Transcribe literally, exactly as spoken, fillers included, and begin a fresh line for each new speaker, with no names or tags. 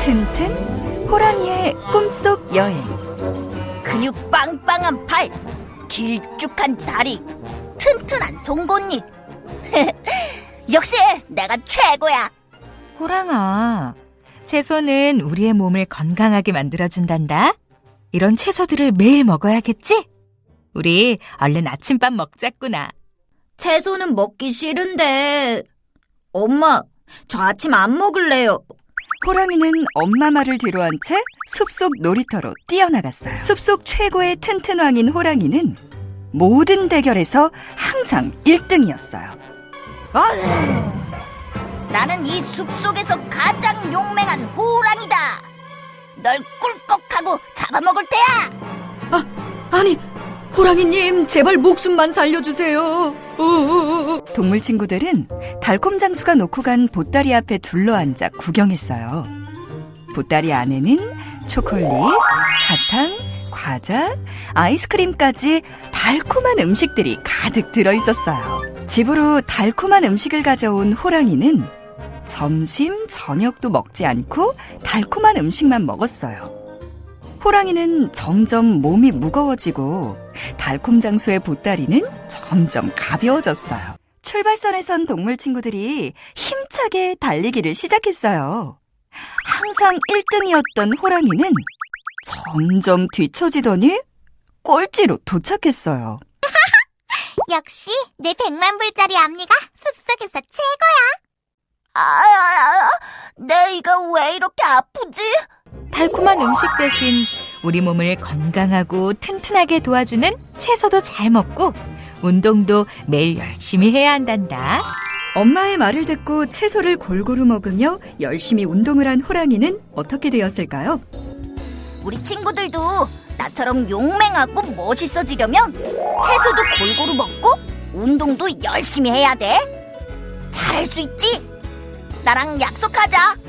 튼튼 호랑이의 꿈속 여행.
근육 빵빵한 팔, 길쭉한 다리, 튼튼한 송곳니. 역시 내가 최고야.
호랑아, 채소는 우리의 몸을 건강하게 만들어준단다. 이런 채소들을 매일 먹어야겠지? 우리 얼른 아침밥 먹자꾸나.
채소는 먹기 싫은데. 엄마, 저 아침 안 먹을래요.
호랑이는 엄마 말을 뒤로한 채 숲속 놀이터로 뛰어나갔어요. 숲속 최고의 튼튼왕인 호랑이는 모든 대결에서 항상 일 등이었어요.
나는 이 숲속에서 가장 용맹한 호랑이다. 널 꿀꺽하고 잡아먹을 테야.
아니, 호랑이님, 제발 목숨만 살려주세요.
동물 친구들은 달콤 장수가 놓고 간 보따리 앞에 둘러앉아 구경했어요. 보따리 안에는 초콜릿, 사탕, 과자, 아이스크림까지 달콤한 음식들이 가득 들어있었어요. 집으로 달콤한 음식을 가져온 호랑이는 점심, 저녁도 먹지 않고 달콤한 음식만 먹었어요. 호랑이는 점점 몸이 무거워지고 달콤 장수의 보따리는 점점 가벼워졌어요. 출발선에 선 동물 친구들이 힘차게 달리기를 시작했어요. 항상 일 등이었던 호랑이는 점점 뒤처지더니 꼴찌로 도착했어요.
역시 내 백만 불짜리 앞니가 숲속에서 최고야.
아, 아, 아, 내 이가 왜 이렇게 아프지?
달콤한 음식 대신 우리 몸을 건강하고 튼튼하게 도와주는 채소도 잘 먹고 운동도 매일 열심히 해야 한단다.
엄마의 말을 듣고 채소를 골고루 먹으며 열심히 운동을 한 호랑이는 어떻게 되었을까요?
우리 친구들도 나처럼 용맹하고 멋있어지려면 채소도 골고루 먹고 운동도 열심히 해야 돼. 잘할 수 있지? 나랑 약속하자.